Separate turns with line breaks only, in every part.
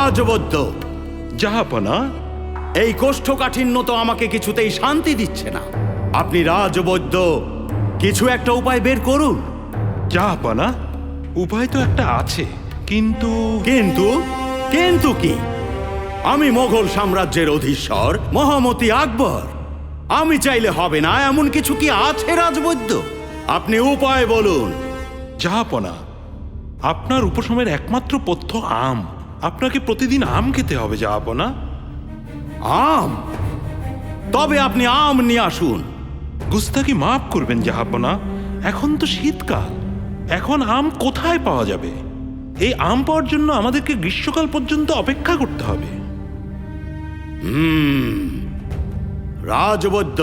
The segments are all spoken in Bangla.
রাজবৈদ্য,
জাহাপনা,
এই কোষ্ঠকাঠিন্য তো আমাকে কিছুতেই শান্তি দিচ্ছে না। আপনি রাজবৈদ্য, কিছু একটা উপায় বের করুন।
জাহাপনা, উপায় তো একটা আছে, কিন্তু
কিন্তু কিন্তু কি? আমি মোগল সাম্রাজ্যের অধীশ্বর মহামতি আকবর। আমি চাইলে হবে না এমন কিছু কি আছে রাজবৈদ্য? আপনি উপায় বলুন।
জাহাপনা, আপনার উপশমের একমাত্র পথ্য আম। আপনাকে প্রতিদিন আম খেতে হবে জাহাপনা।
আম? তবে আপনি আম নিয়ে আসুন।
গুস্তাকি মাফ করবেন জাহাপনা, এখন তো শীতকাল, এখন আম কোথায় পাওয়া যাবে? এই আম পাওয়ার জন্য আমাদেরকে গ্রীষ্মকাল পর্যন্ত অপেক্ষা করতে হবে।
রাজবৈদ্য,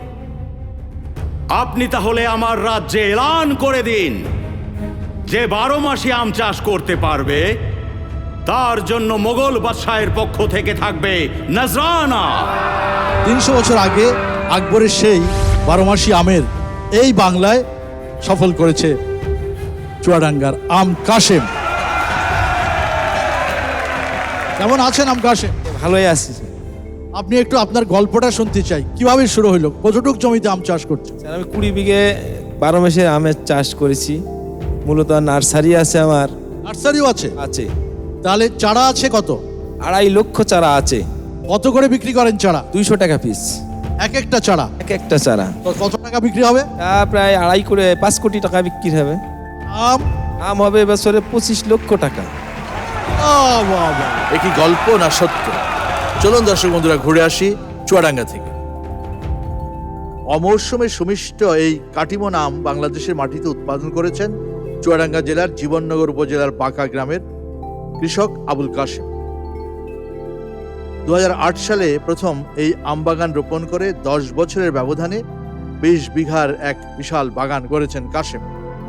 আপনি তাহলে আমার রাজ্যে এলান করে দিন যে 12 মাসই আম চাষ করতে পারবে তার জন্য মোগল বাদশাহের পক্ষ থেকে থাকবে নজরানা।
300 বছর আগে আকবরের সেই 12 মাসি আমের এই বাংলায় সফল করেছে চুয়াডাঙ্গার আম কাশেম। কেমন আছেন আম কাশেম?
ভালোই আছি
আপনি একটু আপনার গল্পটা শুনতে চাই, কিভাবে শুরু হলো, কতটুক জমিতে আম চাষ করছেন?
স্যার। আমি 20 বিঘে 12 মাসে আমের চাষ করেছি। মূলত নার্সারি আছে আমার।
নার্সারিও আছে?
আছে।
তাহলে চারা আছে কত?
2.5 লক্ষ চারা আছে।
কত করে বিক্রি করেন চারা?
200 টাকা পিস
এক একটা চারা?
এক একটা চারা।
তো কত টাকা বিক্রি হবে?
তা প্রায় 2.5 করে 5 কোটি টাকা বিক্রি হবে।
আম?
আম হবে বছরে 25 লক্ষ টাকা।
এ কি গল্প না সত্য? চলুন দর্শক বন্ধুরা ঘুরে আসি চুয়াডাঙ্গা থেকে। অমৌসুমে সুমিষ্ট এই কাটিমন আম বাংলাদেশের মাটিতে উৎপাদন করেছেন চুয়াডাঙ্গা জেলার জীবননগর উপজেলার বাঁকা গ্রামের কৃষক আবুল কাশেম। 2008 সালে প্রথম এই আম বাগান রোপণ করে 10 বছরের ব্যবধানে 20 বিঘার এক বিশাল বাগান করেছেন কাশেম।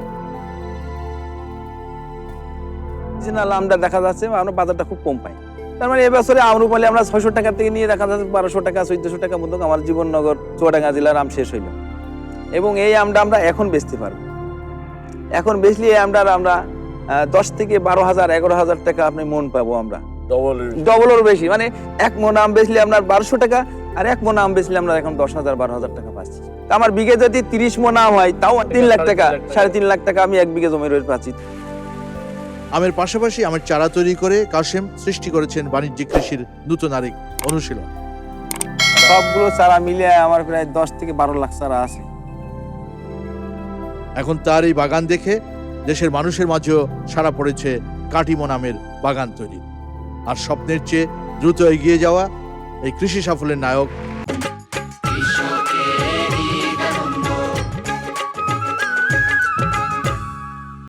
অরিজিনাল আমটা দেখা যাচ্ছে আমরা বাজারটা খুব কম পাই। তার মানে এবছরে আমরুপালি আমরা 600 টাকা থেকে নিয়ে দেখা যাচ্ছে 1200 টাকা 1400 টাকা মতো আমার জীবননগর চুয়াডাঙ্গা জেলার আম শেষ হইল। এবং এই আমটা আমরা এখন বেচতে পারবো। এখন বেচলে এই আমটার আমরা 10 থেকে 12,000 11,000 টাকা আপনি মন পাবো আমরা। ডবলের বেশি, মানে 1 মন আম বেচলে আপনার 1200 টাকা, আর 1 মন আম বেচলে আমরা এখন 10,000 12,000 টাকা পাচ্ছি। আমার বিঘে যদি 30 মন আম হয় তাও 3 লাখ টাকা, 3.5 লাখ টাকা আমি 1 বিঘে জমি রয়ে পাচ্ছি।
আমের পাশাপাশি আমের চারা তৈরি করে কাশেম সৃষ্টি করেছেন বাণিজ্যিক কৃষির নতুন আরেক অনুশীলন।
সবগুলো চারা মিলে আমার প্রায় 10 থেকে 12 লাখ চারা আছে।
এখন তার এই বাগান দেখে দেশের মানুষের মাঝেও সাড়া পড়েছে কাটিমন আমের বাগান তৈরি। আর স্বপ্নের চেয়ে দ্রুত এগিয়ে যাওয়া এই কৃষি সাফল্যের নায়ক